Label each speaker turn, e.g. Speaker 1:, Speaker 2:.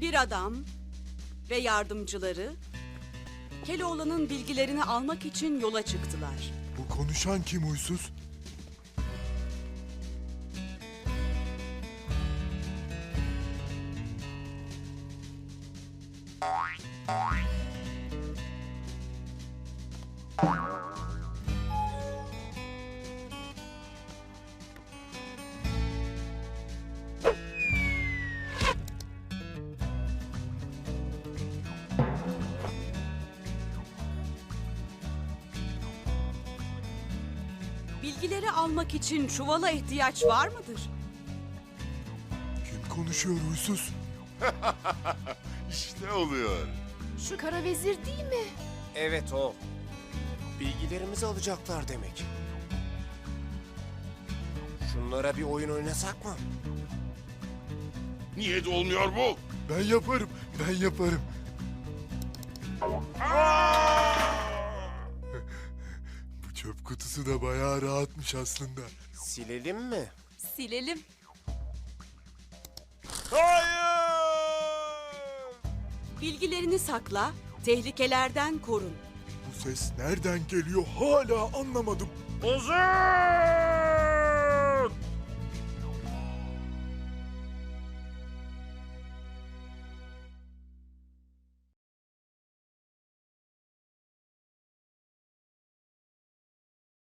Speaker 1: Bir adam ve yardımcıları Keloğlan'ın bilgilerini almak için yola çıktılar.
Speaker 2: Bu konuşan kim huysuz?
Speaker 1: Bilgileri almak için çuvala ihtiyaç var mıdır?
Speaker 2: Kim konuşuyor huysuz?
Speaker 3: İşte oluyor.
Speaker 4: Şu kara vezir değil mi?
Speaker 5: Evet o. Bilgilerimizi alacaklar demek. Şunlara bir oyun oynasak mı?
Speaker 3: Niye de olmuyor bu?
Speaker 2: Ben yaparım, ben yaparım. Bu çöp kutusu da bayağı rahatmış aslında.
Speaker 5: Silelim mi?
Speaker 1: Silelim.
Speaker 3: Hayır!
Speaker 1: Bilgilerini sakla, tehlikelerden korun.
Speaker 2: Bu ses nereden geliyor hala anlamadım.
Speaker 3: Ozan!